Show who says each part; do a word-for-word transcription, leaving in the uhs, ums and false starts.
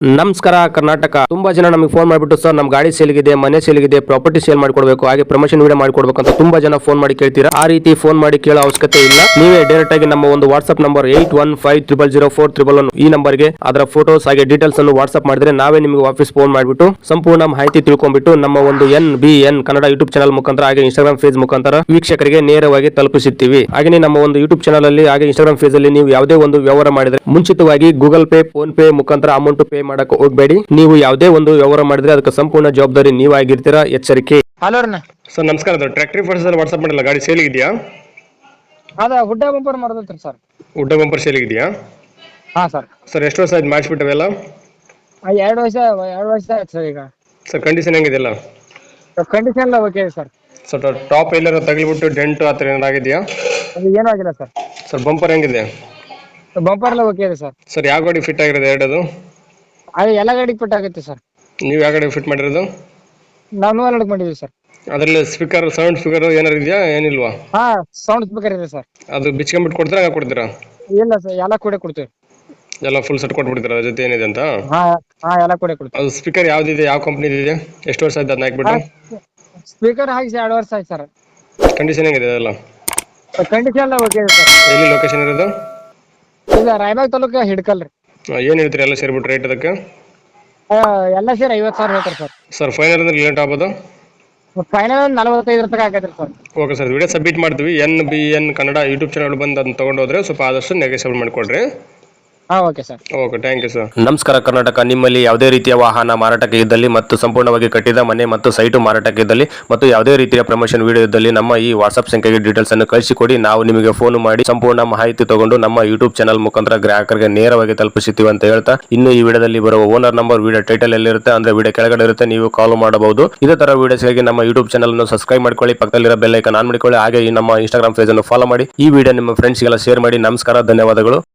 Speaker 1: ನಮಸ್ಕಾರ ಕರ್ನಾಟಕ. ತುಂಬಾ ಜನ ನಮಗೆ ಫೋನ್ ಮಾಡಿಬಿಟ್ಟು ಸರ್ ನಮ್ಮ ಗಾಡಿ ಸೇಲ್ಗಿದೆ, ಮನೆ ಸೇಲ್ಗಿದೆ, ಪ್ರಾಪರ್ಟಿ ಸೇಲ್ ಮಾಡಿಕೊಡ್ಬೇಕು, ಹಾಗೆ ಪ್ರಮೋಷನ್ ವಿಡಿಯೋ ಮಾಡಿಕೊಡ್ಬೇಕು ಅಂತ ತುಂಬಾ ಜನ ಫೋನ್ ಮಾಡಿ ಕೇಳ್ತೀರಾ. ಆ ರೀತಿ ಫೋನ್ ಮಾಡಿ ಕೇಳೋ ಅವಶ್ಯಕತೆ ಇಲ್ಲ. ನೀವೇ ಡೈರೆಕ್ಟ್ ಆಗಿ ನಮ್ಮ ಒಂದು WhatsApp number eight one five triple zero four triple one ಈ ನಂಬರ್ಗೆ ಅದರ ಫೋಟೋಸ್ ಹಾಗೆ ಡೀಟೇಲ್ಸ್ ಅನ್ನು ವಾಟ್ಸ್ಆಪ್ ಮಾಡಿದ್ರೆ ನಾವೇ ನಿಮಗೆ ವಾಪಸ್ ಫೋನ್ ಮಾಡಿಬಿಟ್ಟು ಸಂಪೂರ್ಣ ಮಾಹಿತಿ ತಿಳ್ಕೊಂಡ್ಬಿಟ್ಟು ನಮ್ಮ ಒಂದು N B N Kannada YouTube channel ಮುಖಾಂತರ ಹಾಗೆ ಇನ್ಸ್ಟಾಗ್ರಾಮ್ ಫೇಸ್ ಮುಖಾಂತರ ವೀಕ್ಷಕರಿಗೆ ನೇರವಾಗಿ ತಲುಪಿಸುತ್ತೀವಿ. ಹಾಗೆ ನಮ್ಮ ಒಂದು ಯೂಟ್ಯೂಬ್ ಚಾನಲ್ ಅಲ್ಲಿ ಹಾಗೆ ಇನ್ಸ್ಟಾಗ್ರಾಮ್ ಫೇಸ್ ಅಲ್ಲಿ ನೀವು ಯಾವುದೇ ಒಂದು ವ್ಯವಹಾರ ಮಾಡಿದ್ರೆ ಮುಂಚಿತವಾಗಿ ಗೂಗಲ್ ಪೇ, ಫೋನ್ ಪೇ ಮುಖಾಂತರ ಅಮೌಂಟ್ ಪೇ ಮಾಡಕ್ಕೆ ಹೋಗಬೇಡಿ. ನೀವು ಯಾವುದೇ ಒಂದು ವ್ಯವಹಾರ ಮಾಡಿದ್ರೆ ಅದಕ್ಕೆ ಸಂಪೂರ್ಣ ಜವಾಬ್ದಾರಿ ನೀವಾಗಿರ್ತೀರಾ, ಎಚ್ಚರಿಕೆ.
Speaker 2: ಹಲೋ
Speaker 1: ಸರ್ ನಮಸ್ಕಾರ. ಅದು ಟ್ರ್ಯಾಕ್ಟರಿ ಫೋಟೋಸ್ ವಾಟ್ಸ್ಆಪ್ ಮಾಡಿಲ್ಲ, ಗಾಡಿ ಸೇಲ್ ಇದೆಯಾ?
Speaker 2: ಅದ ಹುಡ್ಡ ಬಂಪರ್ ಮಾಡ್ದತ್ರಿ ಸರ್.
Speaker 1: ಉಡ್ಡ ಬಂಪರ್ ಸೇಲ್ ಇದೆಯಾ?
Speaker 2: ಹಾ ಸರ್.
Speaker 1: ಸರ್ ಎಷ್ಟು ವರ್ಷ ಆಯ್ತು ಮಾಡಿಸ್ಬಿಟ್ಟವೆಲ್ಲ?
Speaker 2: ಎರಡು ವರ್ಷ ಎರಡು ವರ್ಷ ಆಯ್ತು ಸರ್. ಈಗ
Speaker 1: ಸರ್ ಕಂಡೀಷನ್ ಹೆಂಗಿದೆಲ್ಲ?
Speaker 2: ಕಂಡೀಷನ್ ಎಲ್ಲ ಓಕೆ ಸರ್.
Speaker 1: ಸರ್ ಟಾಪ್ ಎಲ್ಲರೂ ತಗಲಿಬಿಟ್ಟು ಡೆಂಟ್ ಆ ಥರ ಏನಾರು ಆಗಿದೆಯಾ?
Speaker 2: ಅದು ಏನೂ ಆಗಿಲ್ಲ ಸರ್.
Speaker 1: ಸರ್ ಬಂಪರ್ ಹೆಂಗಿದೆ?
Speaker 2: ಬಂಪರ್ ಎಲ್ಲ ಓಕೆ ಇದೆ ಸರ್.
Speaker 1: ಸರ್ ಯಾವ ಗಾಡಿ ಫಿಟ್ ಆಗಿರೋದು ಎರಡದು?
Speaker 2: ಅದು ಎಲ್ಲ ಗಾಡಿಗೆ ಫಿಟ್ ಆಗುತ್ತೆ ಸರ್.
Speaker 1: ನೀವು ಯಾವ ಗಾಡಿ ಫಿಟ್ ಮಾಡಿರೋದು?
Speaker 2: ನಾವು ನೂರ ಎರಡು ಮಾಡಿದ್ವಿ ಸರ್.
Speaker 1: ಅದರಲ್ಲಿ ಸ್ಪೀಕರ್, ಸೌಂಡ್ ಸ್ಪೀಕರ್ ಏನಾರು ಇದೆಯಾ ಏನಿಲ್ವಾ?
Speaker 2: ಹಾ ಸೌಂಡ್ ಸ್ಪೀಕರ್ ಇದೆ ಸರ್.
Speaker 1: ಅದು ಬಿಚ್ಕೊಂಡ್ಬಿಟ್ಟು ಕೊಡ್ತೀರಾ, ಹಾಗೆ ಕೊಡ್ತೀರಾ?
Speaker 2: ಇಲ್ಲ ಸರ್, ಎಲ್ಲ ಕೂಡ ಕೊಡ್ತೀವಿ.
Speaker 1: ಎಲ್ಲ ಫುಲ್ ಸೆಟ್ ಕೊಟ್ಬಿಡ್ತೀರಾ ಅದ್ರ ಜೊತೆ ಏನಿದೆ ಅಂತ?
Speaker 2: ಹಾ ಹಾ ಎಲ್ಲ ಕೂಡ ಕೊಡ್ತೀವಿ.
Speaker 1: ಅದು ಸ್ಪೀಕರ್ ಯಾವ್ದಿದೆ, ಯಾವ ಕಂಪ್ನಿದು ಇದೆ, ಎಷ್ಟು ವರ್ಷ ಆಯ್ತು ಅದನ್ನ ಹಾಕ್ಬಿಟ್ಟು?
Speaker 2: ಸ್ಪೀಕರ್ ಹಾಕಿ ಎರಡು ವರ್ಷ ಆಯ್ತು ಸರ್.
Speaker 1: ಕಂಡೀಷನ್ ಹೆಂಗಿದೆ ಅದೆಲ್ಲ?
Speaker 2: ಕಂಡೀಷನ್ ಎಲ್ಲ ಓಕೆ ಇದೆ ಸರ್.
Speaker 1: ಎಲ್ಲಿ ಲೊಕೇಶನ್ ಇರೋದು?
Speaker 2: ಈಗ ರಾಯಬಾಗ್ ತಾಲೂಕು ಹಿಡ್ಕಲ್ ರೀ.
Speaker 1: ಏನು ಹೇಳ್ತೀರಿ ಎಲ್ಲ ಸೇರಿಬಿಟ್ಟು ರೇಟ್ ಅದಕ್ಕೆ?
Speaker 2: ಎಲ್ಲ ಸೇರಿ ಐವತ್ತು ಸಾವಿರ ಹೇಳ್ತಾರೆ ಸರ್.
Speaker 1: ಸರ್ ಫೈನಲ್ ಅಂದ್ರೆ ಲೇಟ್ ಆಗ್ಬೋದು?
Speaker 2: ಫೈನಲ್ ಒಂದು ನಲವತ್ತೈದು ರೂಪಾಯಿ ಆಗೈತ್ರಿ sir.
Speaker 1: Okay sir, video submit ಮಾಡ್ತೀವಿ. N B N Kannada YouTube channel ಬಂದು ಅದನ್ನ ತೊಗೊಂಡು ಹೋದ್ರೆ ಸ್ವಲ್ಪ ಆದಷ್ಟು ನೆಗೆಸೇಬಲ್ ಮಾಡಿಕೊಡ್ರಿ.
Speaker 2: ಹಾ okay sir.
Speaker 1: Okay, thank you sir. ನಮಸ್ಕಾರ ಕರ್ನಾಟಕ. ನಿಮ್ಮಲ್ಲಿ ಯಾವುದೇ ರೀತಿಯ ವಾಹನ ಮಾರಾಟಕ್ಕೆ ಇದ್ದಲ್ಲಿ ಮತ್ತು ಸಂಪೂರ್ಣವಾಗಿ ಕಟ್ಟಿದ ಮನೆ ಮತ್ತು ಸೈಟು ಮಾರಾಟಕ್ಕೆ ಇದ್ದಲ್ಲಿ ಮತ್ತು ಯಾವುದೇ ರೀತಿಯ ಪ್ರಮೋಷನ್ ವಿಡಿಯೋ ಇದ್ದಲ್ಲಿ ನಮ್ಮ ಈ ವಾಟ್ಸ್ಆಪ್ ಸಂಖ್ಯೆಗೆ ಡೀಟೇಲ್ಸ್ ಅನ್ನು ಕಳಿಸಿಕೊಡಿ. ನಾವು ನಿಮಗೆ ಫೋನ್ ಮಾಡಿ ಸಂಪೂರ್ಣ ಮಾಹಿತಿ ತಗೊಂಡು ನಮ್ಮ ಯೂಟ್ಯೂಬ್ ಚಾನಲ್ ಮುಖಾಂತರ ಗ್ರಾಹಕರಿಗೆ ನೇರವಾಗಿ ತಲುಪಿಸುತ್ತೀವಿ ಅಂತ ಹೇಳ್ತಾ, ಇನ್ನು ಈ ವಿಡಿಯೋದಲ್ಲಿ ಬರುವ ಓನರ್ ನಂಬರ್ ವಿಡಿಯೋ ಟೈಟಲ್ ಎಲ್ಲಿರುತ್ತೆ ಅಂದ್ರೆ ವಿಡಿಯೋ ಕೆಳಗಡೆ ಇರುತ್ತೆ, ನೀವು ಕಾಲ್ ಮಾಡಬಹುದು. ಇದೇ ತರ ವಿಡಿಯೋಸ್ಗಾಗಿ ನಮ್ಮ ಯೂಟ್ಯೂಬ್ ಚಾನಲ್ ಅನ್ನು ಸಬ್ಸ್ಕ್ರೈಬ್ ಮಾಡ್ಕೊಳ್ಳಿ, ಪಕ್ಕದಲ್ಲಿರೋ ಬೆಲ್ ಐಕಾನ್ ಆನ್ ಮಾಡಿಕೊಳ್ಳಿ, ಹಾಗೆ ಈ ನಮ್ಮ ಇನ್ಸ್ಟಾಗ್ರಾಮ್ ಪೇಜ್ ಅನ್ನು ಫಾಲೋ ಮಾಡಿ. ಈ ವಿಡಿಯೋ ನಿಮ್ಮ ಫ್ರೆಂಡ್ಸ್ಗೆಲ್ಲ ಶೇರ್ ಮಾಡಿ. ನಮಸ್ಕಾರ, ಧನ್ಯವಾದಗಳು.